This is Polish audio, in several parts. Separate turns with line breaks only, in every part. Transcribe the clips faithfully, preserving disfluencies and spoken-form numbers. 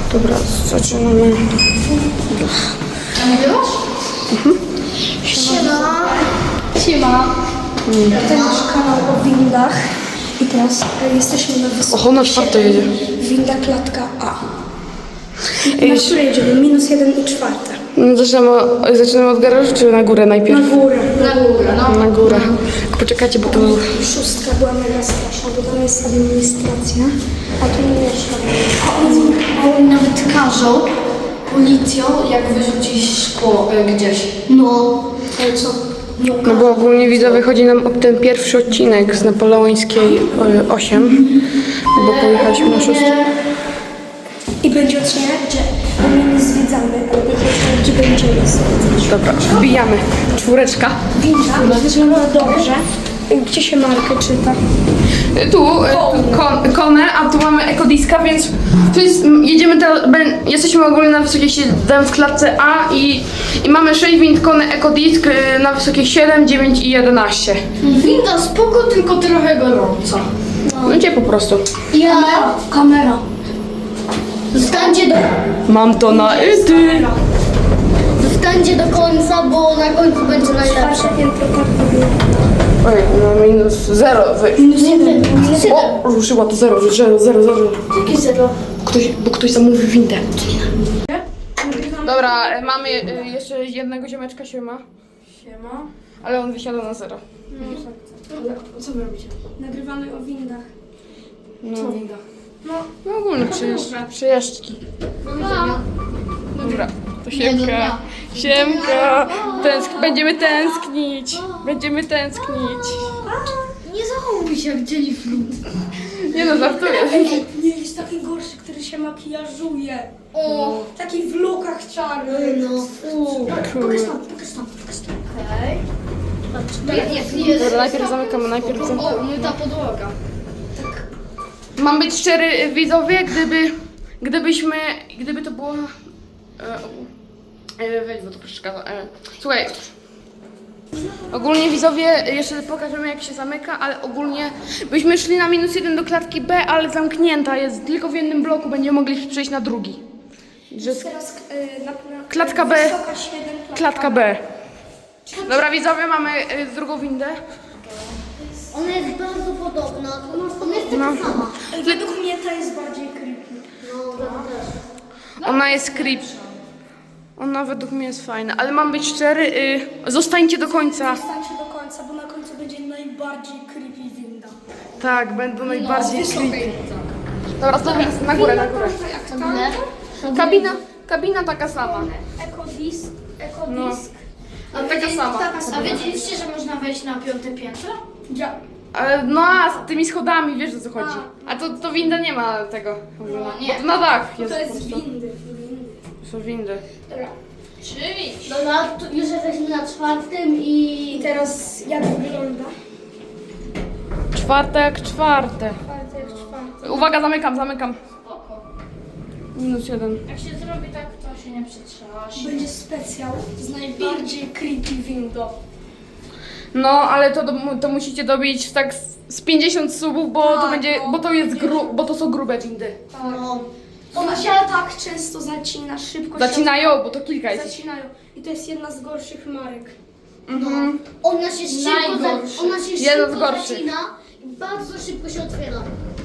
Dobra, zaczynamy.
Nagrywasz?
Mhm.
Siema. Siema.
To nasz kanał o windach i teraz e, jesteśmy na wysokości.
Oho, na czwarte jedzie.
Winda klatka A. I na które jedziemy? Minus jeden i czwarte.
Zaczynamy, zaczynamy od garażu, czy na górę najpierw?
Na górę.
Na górę, no.
Na górę. Poczekajcie, bo to...
Szóstka była mega straszna, bo tam jest administracja, a tu nie mieszka.
A oni, a oni nawet każą policją, jak wyrzucić szkło y, gdzieś. No.
Ale co? No,
No bo ogólnie widzowie chodzi nam o ten pierwszy odcinek z Napoleońskiej e, osiem, bo pojechaliśmy na szóstkę.
I będzie odcinek, gdzie my nie zwiedzamy, ale będzie odcinek, gdzie będziemy zwiedzać.
Dobra, wbijamy. Czwóreczka.
Winda wygląda dobrze. Gdzie się markę czyta?
Tu e, tu kon, konę, a tu mamy ekodiska, więc tu jest, jedziemy teraz, jesteśmy ogólnie na wysokiej siedem w klatce A i, i mamy sześć wind konę ekodisk e, na wysokiej siedem, dziewięć i jedenaście.
Winda spoko, tylko trochę gorąca.
No gdzie po prostu.
Ja...
Kamera.
Zostańcie do...
Mam to na ety.
Zostańcie do końca, bo na końcu będzie najlepsze.
Wasze piętro tak wygląda.
Oj, no minus zero.
Minus jeden. Minus jeden.
O, ruszyła to zero, zero, zero, zero.
Jakie zero?
Ktoś, bo ktoś zamówił windę. Dobra, e, mamy e, jeszcze jednego ziomeczka, siema.
Siema.
Ale on wysiada na zero.
Co wy robicie? Nagrywamy o windach.
No.
Co o windach? No,
No ogólnie przejeżdż, przejażdżki. Dobra, to siemka. Siemka. Tęsk będziemy tęsknić. Będziemy tęsknić.
Nie zachowuj się jak dzieliflu.
Nie no, żartuję.
nie jest taki gorszy, który się makijażuje.
O,
Taki w lukach czarnych.
no. Uuu.
Pokaż tam, pokaż tam, pokaż tam.
Okej. Patrz, jest, jest.
Dobra, najpierw zamykamy, najpierw zamykamy.
O, myta podłoga.
Mam być szczery, widzowie, gdyby, gdybyśmy, gdyby to było... E, e, weź, bo to przeszkadza. E, słuchaj, ogólnie widzowie, jeszcze pokażemy jak się zamyka, ale ogólnie byśmy szli na minus jeden do klatki B, ale zamknięta jest, tylko w jednym bloku będziemy mogli przejść na drugi. Że z,
Teraz y, na, na,
Klatka B.
Wysoka siedem,
klatka B. Dobra, widzowie, mamy y, drugą windę.
Ona jest bardzo podobna. Ona jest taka
No.
sama.
Ej, według mnie ta jest bardziej creepy.
No, ja też.
Ona jest creep. Ona według mnie jest fajna, ale mam być szczery, y, zostańcie do końca.
Zostańcie do końca, bo na końcu będzie najbardziej creepy winda.
Tak, będą najbardziej
wysokiej.
creepy. Dobra, znowu na górę, na górę.
Kabinę?
Kabina, kabina taka sama.
Ekodisk,
No.
ekodisk.
A taka sama.
A wiedzieliście, że można wejść na piąte piętro?
Ja.
Ale no a z tymi schodami, wiesz o co chodzi. A to, to winda nie ma tego. w ogóle.
No, nie.
Bo to na dach jest
To
po
jest
prostu.
windy, windy.
To są windy.
Dobra.
Czyli. Dobra, tu już jesteśmy na czwartym i...
I teraz jak wygląda?
Czwarte jak czwarte.
Czwarte jak czwarte.
Uwaga, zamykam, zamykam.
Spoko.
Minus jeden.
Jak się zrobi tak, to się nie przetrzymasz.
Będzie specjal z najbardziej creepy windą.
No, ale to, do- to musicie dobić tak z- z pięćdziesiąt subów, bo to
Tak,
będzie,
no.
bo to jest gru, bo to są grube windy.
No.
Ona się tak często zacina, szybko się
Zacinają, bo to kilka jest.
Zacinają. I to jest jedna z gorszych marek.
Mhm.
Ona się szybko,
Najgorszy.
za, ona się
Jeden z
szybko
gorszych.
zacina i bardzo szybko się otwiera.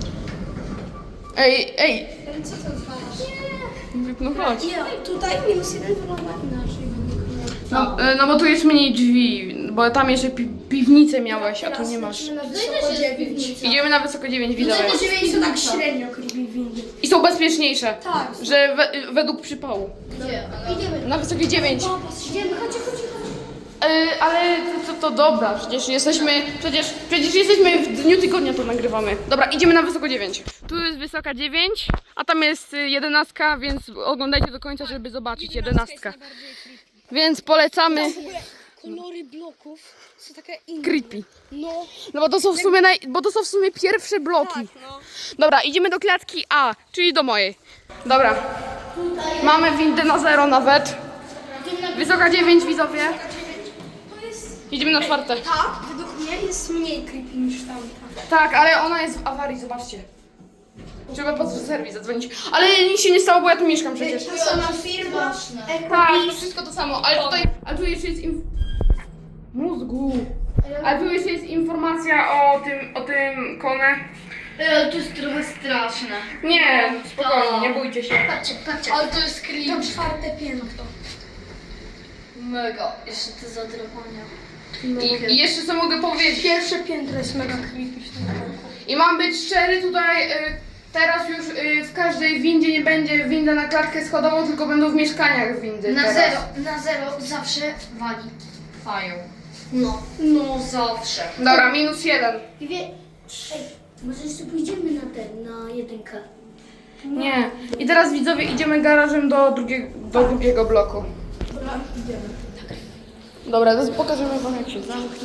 Ej, ej,
Ale co ty odwalasz?
no chodź.
Nie, tutaj minus jeden wygląda inaczej.
No, e, no bo tu jest mniej drzwi, bo tam jeszcze pi piwnicę miałeś, a tu nie masz.
Na
też
wysoko
jest
dziewięć.
Idziemy na wysoko dziewięć, widzowie.
Wysoko dziewięć to tak średnio creepy windy.
I są bezpieczniejsze,
Tak.
że we, według przypału.
Gdzie? Idziemy.
Na wysokie dziewięć.
Idziemy, chodźcie, chodźcie, chodźcie.
E, ale to, to, to dobra, przecież jesteśmy, przecież, przecież jesteśmy w dniu tygodnia to nagrywamy. Dobra, idziemy na wysoko dziewięć. Tu jest wysoka dziewięć, a tam jest y, jedenastka, więc oglądajcie do końca, żeby zobaczyć jedenastkę. Więc polecamy.
W ogóle kolory bloków są takie inne.
Creepy.
No,
No bo to są w sumie, naj, bo to są w sumie pierwsze bloki.
tak, no.
Dobra, idziemy do klatki A, czyli do mojej. Dobra. Mamy windę na zero nawet. Wysoka dziewięć, widzowie.
To jest...
Idziemy na czwarte.
Tak, według mnie jest mniej creepy niż tamta.
Tak, ale ona jest w awarii, zobaczcie. Trzeba po serwis zadzwonić. Ale nic się nie stało, bo ja tu mieszkam przecież.
Ta sama firma.
Tak, to wszystko to samo, ale tutaj, a tu jeszcze jest inf... mózgu. A tu jeszcze jest informacja o tym, o tym Kone.
E, to jest trochę straszne.
Nie, spokojnie, nie bójcie się.
Patrzcie, patrzcie. Ale to jest creepy.
To czwarte piętro.
Mega. Jeszcze te zadrapania.
I, I jeszcze co mogę powiedzieć.
Pierwsze piętro jest mega creepy w tym roku.
I mam być szczery tutaj, y, teraz już y, w każdej windzie nie będzie winda na klatkę schodową, tylko będą w mieszkaniach windy
Na
teraz.
zero, na zero zawsze wali. Fają. No. No zawsze.
Dobra, minus jeden.
I wie... Ej, może jeszcze pójdziemy na ten, na jedynkę.
Nie. I teraz widzowie idziemy garażem do, drugie, do drugiego bloku.
Dobra, idziemy.
Dobra, teraz pokażemy wam jak się zamknie.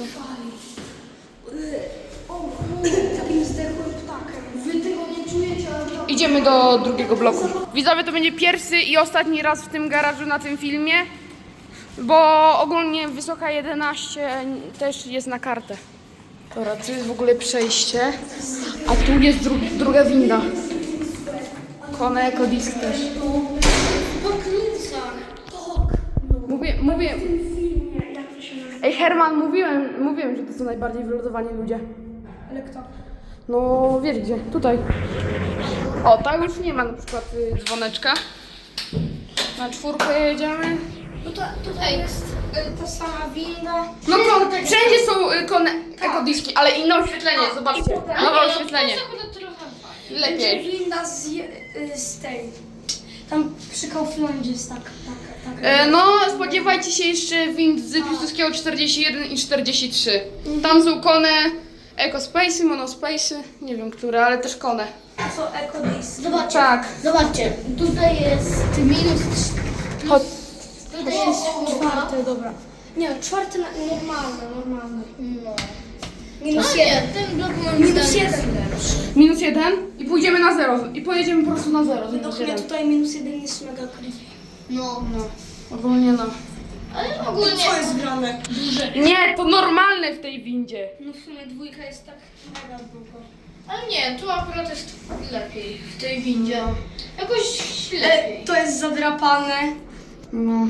O kurde, takim zdechłym ptakiem. Wy tego nie czujecie, ale to...
Idziemy do drugiego bloku. Widzowie, to będzie pierwszy i ostatni raz w tym garażu na tym filmie, bo ogólnie Wysoka jedenaście też jest na kartę. Dobra, tu jest w ogóle przejście, a tu jest dru druga winda. Kone Eco Disc też.
Po klucach.
Mówię, mówię.
W tym filmie, jak to się nazywa?
Ej Herman, mówiłem, mówiłem, że to są najbardziej wylodowani ludzie.
Ale kto?
No wiesz gdzie, tutaj. O, tak już nie ma na przykład y, dzwoneczka. Na czwórkę jedziemy.
No to tutaj jest y, ta sama winda.
No to wszędzie są y, kone, ekodiski, ale inne oświetlenie, zobaczcie. Nowe oświetlenie.
Będzie
Lepiej.
winda z, je- y, z tej. Tam przy Kauflandzie jest tak, tak, tak.
E, no, spodziewajcie się jeszcze wind z Piłsudskiego czterdzieści jeden i czterdzieści trzy. Tam są kone Ecospace'y, Monospace'y, nie wiem które, ale też kone.
To są ekodisy.
Zobaczcie,
Tak.
zobaczcie, tutaj jest minus trz-
Chodź.
tutaj jest czwórka.
Czwarte, dobra. Nie, czwarte na, normalne, normalne.
No.
Minus
No
jeden.
nie, ten blok moim
Minus
zdaniem
jeden.
Minus jeden i pójdziemy na zero. I pojedziemy po prostu na zero. z
No
minus
mnie
jeden.
tutaj minus jeden jest mega creepy.
No,
No, ogólnie no.
ale ogólnie...
Co jest grane?
Nie, to normalne w tej windzie.
No w sumie dwójka jest tak mega długo.
Ale nie, tu akurat jest lepiej w tej windzie. Jakoś
E,
lepiej.
to jest zadrapane.
No.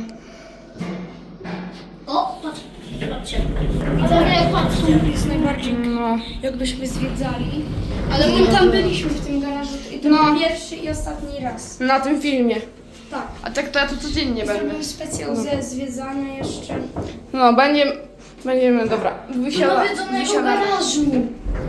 O, patrz, patrzcie. Ale jak patrz,
Tu jest najbardziej
No.
jakbyśmy zwiedzali. Ale my tam byliśmy w tym garażu i to
No.
był pierwszy i ostatni raz.
Na tym filmie.
Tak.
A tak to ja tu codziennie będę.
Zrobimy specjal ze zwiedzania jeszcze.
No, będziemy, będziemy, dobra, wysiada,
nawiedzonego
wysiadamy.
garażu.
Nie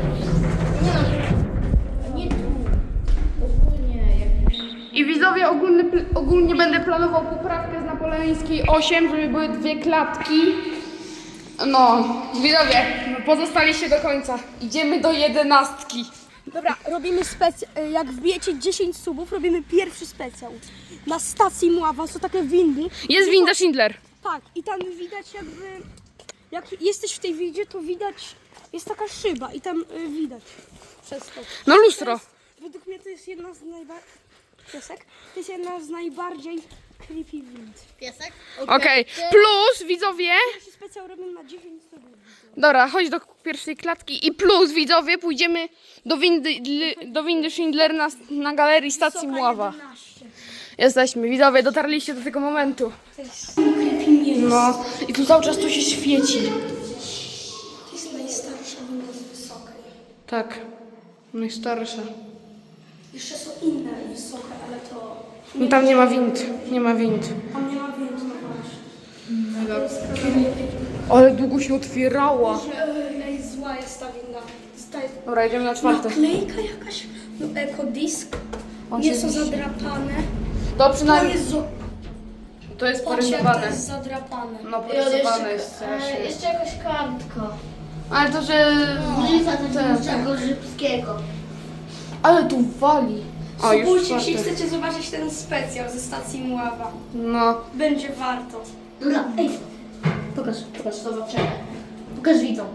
no. Nie tu. Ogólnie jak...
I widzowie, ogólny, pl- ogólnie będę planował poprawkę z napoleońskiej osiem, żeby były dwie klatki. No, widzowie, pozostaliście do końca. Idziemy do jedenastki.
Dobra, robimy specjal. Jak wbijecie dziesięć subów, robimy pierwszy specjal. Na stacji Mława są takie windy.
Jest winda Schindler.
Tak, i tam widać jakby. Jak jesteś w tej windzie, to widać. Jest taka szyba i tam y, widać. Przez to.
No lustro.
Według mnie to jest jedna z najbardziej. Piesek? To jest jedna z najbardziej creepy wind.
Piesek?
Okej, plus widzowie,
Pierwszy specjal robimy na dziesięć subów.
dobra, chodź do pierwszej klatki i plus widzowie, pójdziemy do windy, li- do windy Schindler na, na galerii stacji Mława.
jedenaście.
Jesteśmy, widzowie, dotarliście do tego momentu.
To jest creepy miejsce.
No, i tu cały czas to się świeci.
To jest najstarsza winda z wysokiej.
Tak, najstarsza.
Jeszcze są inne wysokie, ale to.
No tam nie ma wind, nie ma wind.
Tam nie ma windy, no właśnie.
Mega. Ale długo się otwierała.
Ej, zła jest ta winda. Zostaje
Dobra, jedziemy na czwarte.
naklejka jakaś. No ekodisk. Nie są zadrapane.
To
To
przynajmniej,
jest zo...
to jest
Patrz, jak to
porysowane.
jest zadrapane.
No,
I od
porysowane
jeszcze,
jest
e,
strasznie.
jeszcze jakaś kartka.
Ale to, że...
Ulica
ten-
Tadeuszego Żybskiego.
Ale tu wali. O, już
Spójrzcie, jeśli
czwarte.
chcecie zobaczyć ten specjal ze stacji Mława.
No.
Będzie warto.
Dobra, ej. Pokaż, pokaż, zobaczymy. Pokaż widzom.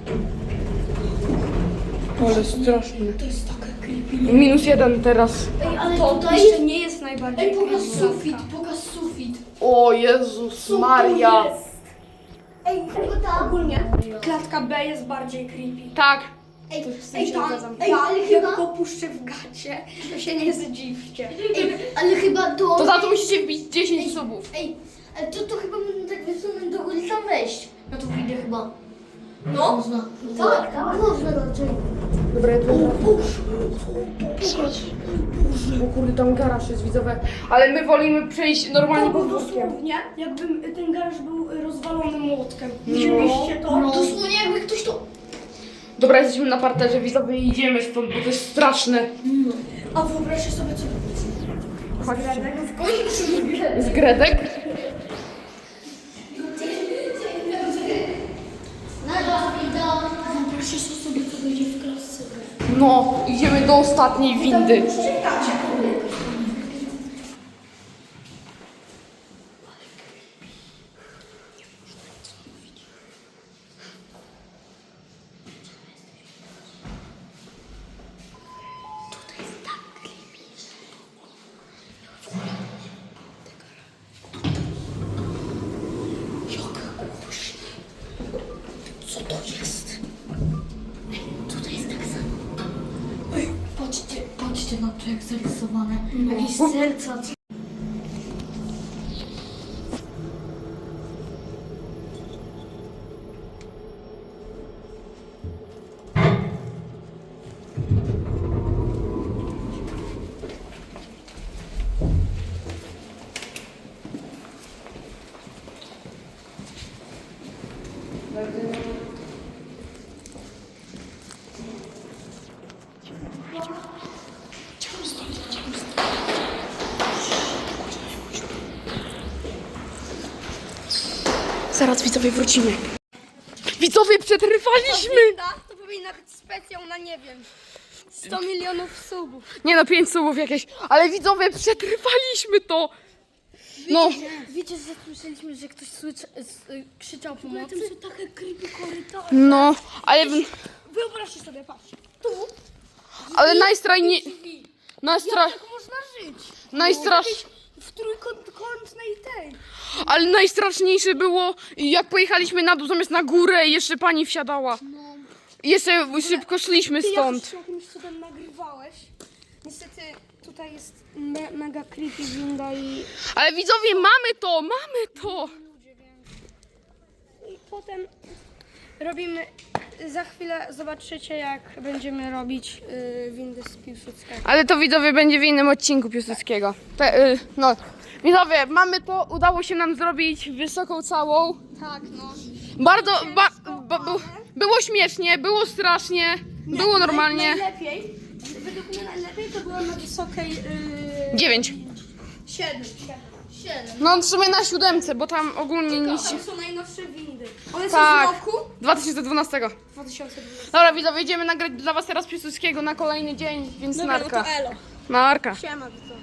Ale straszne.
To jest takie creepy.
Minus jeden teraz.
Ej, ale
To
tutaj...
jeszcze nie jest najbardziej
Ej, pokaż
creepy
sufit,
klatka.
pokaż sufit.
O Jezus Maria.
Ej, ogólnie klatka B jest bardziej creepy.
Tak,
Ej,
z tym
ej,
się
tam,
zgadzam.
ej, ale jak go puszczę w gacie, to się nie zdziwcie.
Ej, ale chyba to...
To za to musicie wbić dziesięć subów.
Ej, ale to, to chyba można tak wysunąć do góry i tam wejść. No to wyjdę chyba.
No,
Można. Tak, tak. Można raczej.
Dobra, ja tu... Bo kurde, tam garaż jest widzowe. Ale my wolimy przejść normalnie
to
po
był
dwórkiem.
dosłownie, jakby ten garaż był rozwalony młotkiem. Widzieliście to?
No. Dosłownie jakby ktoś to...
Dobra, jesteśmy na parterze widzowie i idziemy stąd, bo to jest straszne.
A wyobraźcie sobie, co...
Chodźcie.
W końcu
Z Gredek?
Wyobraźcie sobie, co będzie w klasce.
No, idziemy do ostatniej windy.
czytacie.
Co to jest? Tutaj jest tak samo. Ej, patrzcie, patrzcie na to jak zarysowane. Jakieś serca. co-
Zaraz widzowie wrócimy. Widzowie, przetrwaliśmy!
To powinna być specjał na, nie wiem, sto milionów subów.
Nie no, pięć subów jakieś. Ale widzowie, przetrwaliśmy to! No,
Wiecie, że słyszeliśmy, że ktoś słyszy, s- y, krzyczał pomocy?
Tam są takie creepy korytarze.
no, ale,
Wyobraźcie sobie, patrzcie. Tu
ale najstrajnie... Najstra...
tak można żyć.
Najstrasz...
W trójkątnej tej.
Ale najstraszniejsze było, jak pojechaliśmy na dół zamiast na górę i jeszcze pani wsiadała. I jeszcze szybko szliśmy
Ty
stąd.
jakoś jakimś cudem nagrywałeś. Niestety tutaj jest me mega creepy winda i
Ale widzowie, mamy to, mamy to!
ludzie, więc... I potem robimy... Za chwilę zobaczycie, jak będziemy robić y, windy z Piłsudskiego.
Ale to widzowie będzie w innym odcinku Piłsudskiego. Te, y, no, widzowie, mamy to, udało się nam zrobić wysoką całą.
Tak, no.
Bardzo, ba, ba, bu- było śmiesznie, było strasznie, było normalnie.
Najlepiej, według mnie najlepiej to było na wysokiej... Yy,
Dziewięć.
Siedem. Siedem.
No w sumie na siódemce, bo tam ogólnie nic się...
Tam są najnowsze windy. One
Tak,
są z roku
dwa tysiące dwunastego.
dwa tysiące dwunastego.
Dobra widzowie, idziemy nagrać dla was teraz Piłsudskiego na kolejny dzień, więc
Dobra, no
narka.
to elo.
Narka.
Siema, widzowie.